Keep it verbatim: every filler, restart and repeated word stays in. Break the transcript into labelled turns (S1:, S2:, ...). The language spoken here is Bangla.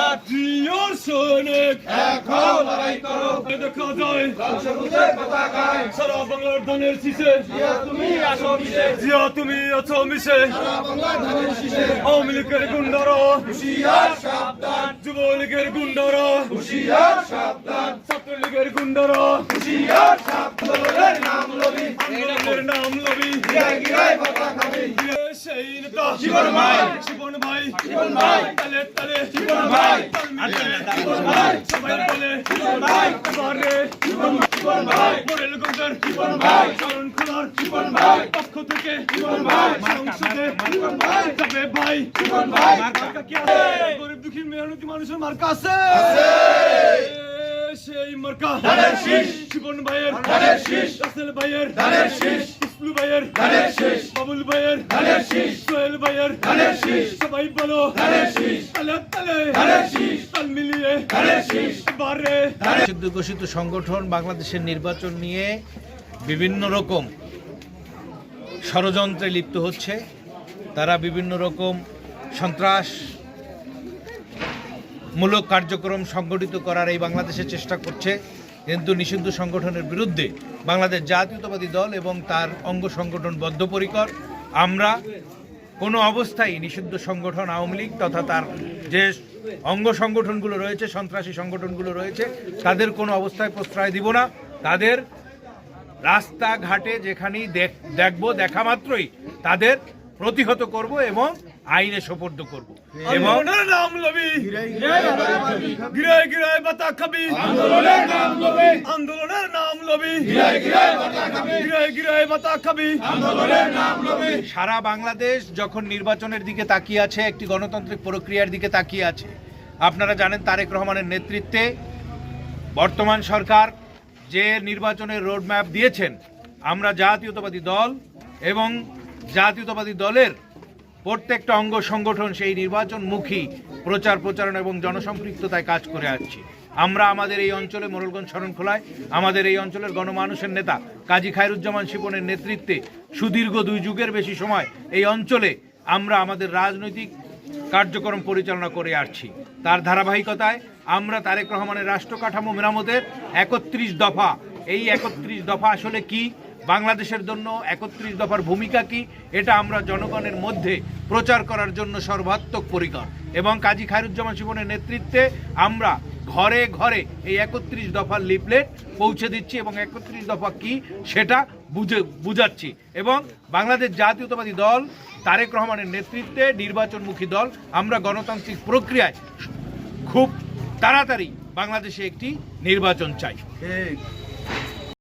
S1: শাপলাট জিয়ার সৈনিক এক হও লড়াই করো দেখা যায় লাল সবুজের পতাকায় সারা বাংলার ধানের শীষে জিয়া তুমি আছো মিশে জিয়া তুমি আছো মিশে সারা বাংলার ধানের শীষে আওয়ামী লীগের গুন্ডারা হুঁশিয়ার সাবধান যুবলীগের গুন্ডারা হুঁশিয়ার সাবধান ছাত্রলীগের গুন্ডারা হুঁশিয়ার সাবধান নাম লবি আন্দোলনের নাম লবি গিরায় গিরায় বাতা খাবি সেই নেতা জীবন ভাই জীবন ভাই জীবন ভাই তালে তালে জীবন ভাই জীবন ভাই সবাই বলে জীবন ভাই বারে জীবন জীবন ভাই মোরেল গঞ্জের জীবন ভাই শরণ খোলার জীবন ভাই পক্ষ থেকে জীবন ভাই সংসদে জীবন ভাই তবে ভাই জীবন ভাই মার্কা কি আছে গরিব দুঃখী মেহনতি মানুষের মার্কা আছে আছে সেই মার্কা ধানের শীষ জীবন ভাইয়ের ধানের শীষ রাসেল ভাইয়ের ধানের শীষ ইসলু ভাইয়ের ধানের শীষ বাবুল ভাইয়ের ধানের শীষ সোহেল ভাইয়ের ধানের শীষ সবাই বলো ধানের শীষ তালে তালে ধানের শীষ তাল মিলিয়ে ধানের শীষ বারে
S2: নিষিদ্ধ ঘোষিত সংগঠন বাংলাদেশের নির্বাচন নিয়ে বিভিন্ন রকম ষড়যন্ত্রে লিপ্ত হচ্ছে। তারা বিভিন্ন রকম সন্ত্রাস মূলক কার্যক্রম সংগঠিত করার এই বাংলাদেশের চেষ্টা করছে, কিন্তু নিষিদ্ধ সংগঠনের বিরুদ্ধে বাংলাদেশ জাতীয়তাবাদী দল এবং তার অঙ্গ সংগঠন বদ্ধপরিকর। আমরা কোনো অবস্থায় নিষিদ্ধ সংগঠন আওয়ামী লীগ তথা তার যে অঙ্গ সংগঠনগুলো রয়েছে, সন্ত্রাসী সংগঠনগুলো রয়েছে, তাদের কোনো অবস্থায় প্রশ্রয় দিব না। তাদের রাস্তাঘাটে যেখানেই দেখব, দেখা মাত্রই তাদের প্রতিহত করব এবং আইনে সোপর্দ করব এবং
S1: নাম লবি গিরায় গিরায় বাতা খাবি আন্দোলনের নাম লবি আন্দোলনের নাম লবি গিরায় গিরায় বাতা খাবি গিরায় গিরায় বাতা খাবি আন্দোলনের নাম লবি।
S2: সারা বাংলাদেশ যখন নির্বাচনের দিকে তাকিয়ে আছে, একটি গণতান্ত্রিক প্রক্রিয়ার দিকে তাকিয়ে আছে। আপনারা জানেন তারেক রহমানের নেতৃত্বে বর্তমান সরকার যে নির্বাচনের রোডম্যাপ দিয়েছেন, আমরা জাতীয়তাবাদী দল এবং জাতীয়তাবাদী দলের প্রত্যেকটা অঙ্গ সংগঠন সেই নির্বাচনমুখী প্রচার প্রচারণা এবং জনসম্পৃক্ততায় কাজ করে আসছি। আমরা আমাদের এই অঞ্চলে মোরেলগঞ্জ শরণখোলায় আমাদের এই অঞ্চলের গণমানুষের নেতা কাজী খায়রুজ্জামান শিপনের নেতৃত্বে সুদীর্ঘ দুই যুগের বেশি সময় এই অঞ্চলে আমরা আমাদের রাজনৈতিক কার্যক্রম পরিচালনা করে আসছি। তার ধারাবাহিকতায় আমরা তারেক রহমানের রাষ্ট্র কাঠামো মেরামতের একত্রিশ দফা, এই একত্রিশ দফা আসলে কি, বাংলাদেশের জন্য একত্রিশ দফার ভূমিকা কি, এটা আমরা জনগণের মধ্যে প্রচার করার জন্য সর্বাত্মক পরিকর এবং কাজী খায়রুজ্জামান শিপনের নেতৃত্বে আমরা ঘরে ঘরে এই একত্রিশ দফার লিফলেট পৌঁছে দিচ্ছি এবং একত্রিশ দফা কি সেটা বুঝে বুঝাচ্ছি। এবং বাংলাদেশ জাতীয়তাবাদী দল তারেক রহমানের নেতৃত্বে নির্বাচনমুখী দল, আমরা গণতান্ত্রিক প্রক্রিয়ায় খুব তাড়াতাড়ি বাংলাদেশে একটি নির্বাচন চাই।